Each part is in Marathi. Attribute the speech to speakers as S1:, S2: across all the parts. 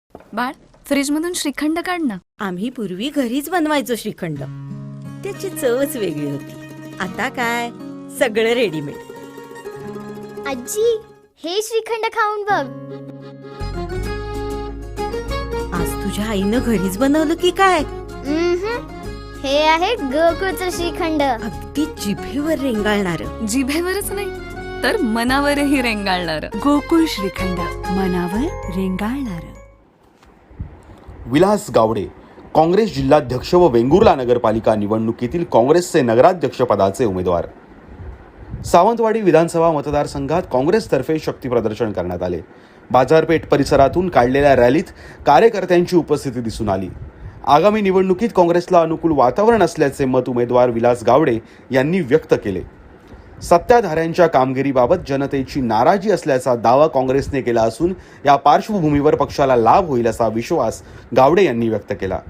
S1: बाळ, फ्रीजमधून श्रीखंड काढ ना.
S2: आम्ही पूर्वी घरीच बनवायचो श्रीखंड. त्याची चवच वेगळी होती. आता काय सगळं रेडीमेड.
S3: आजी, हे श्रीखंड खाऊन बघ.
S2: आज तुझ्या आईनं घरीच बनवलं की काय?
S3: हे आहे गोकुळचं श्रीखंड.
S2: अगदी जिभेवर रेंगाळणार.
S1: जिभेवरच नाही तर मनावरही रेंगाळणार.
S4: गोकुळ श्रीखंड, मनावर रेंगाळणार.
S5: विलास गावडे, काँग्रेस जिल्हाध्यक्ष व वेंगुर्ला नगरपालिका निवडणुकीतील काँग्रेसचे नगराध्यक्षपदाचे उमेदवार. सावंतवाडी विधानसभा मतदारसंघात काँग्रेसतर्फे शक्तीप्रदर्शन करण्यात आले. बाजारपेठ परिसरातून काढलेल्या रॅलीत कार्यकर्त्यांची उपस्थिती दिसून आली. आगामी निवडणुकीत काँग्रेसला अनुकूल वातावरण असल्याचे मत उमेदवार विलास गावडे यांनी व्यक्त केले. सत्ताधाऱ्यांच्या कामगिरीबाबत जनतेची नाराजी असल्याचा दावा काँग्रेसने केला असून या पार्श्वभूमीवर पक्षाला लाभ होईल असा विश्वास गावडे यांनी व्यक्त केला.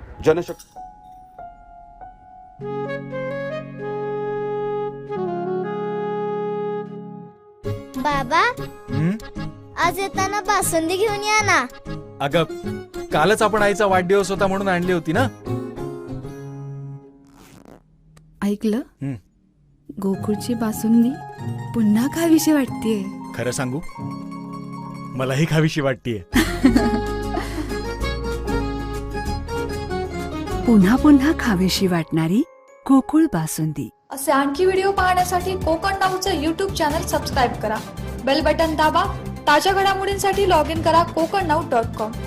S3: बाबा, आज येताना बासुंदी घेऊन या ना.
S6: अगं, कालच आपण आईचा वाढदिवस होता म्हणून आणली होती ना.
S4: ऐकलं? गोकुळची बासुंदी पुन्हा खावीशी वाटतेय.
S6: खरं सांगू, मलाही खावीशी वाटतीये.
S4: पुन्हा पुन्हा खावीशी वाटणारी गोकुळ बासुंदी.
S7: असे आणखी व्हिडिओ पाहण्यासाठी कोकण नाऊचं यूट्यूब चॅनल सबस्क्राईब करा. बेल बटन दाबा. ताज्या घडामोडींसाठी लॉग इन करा kokarnau.com.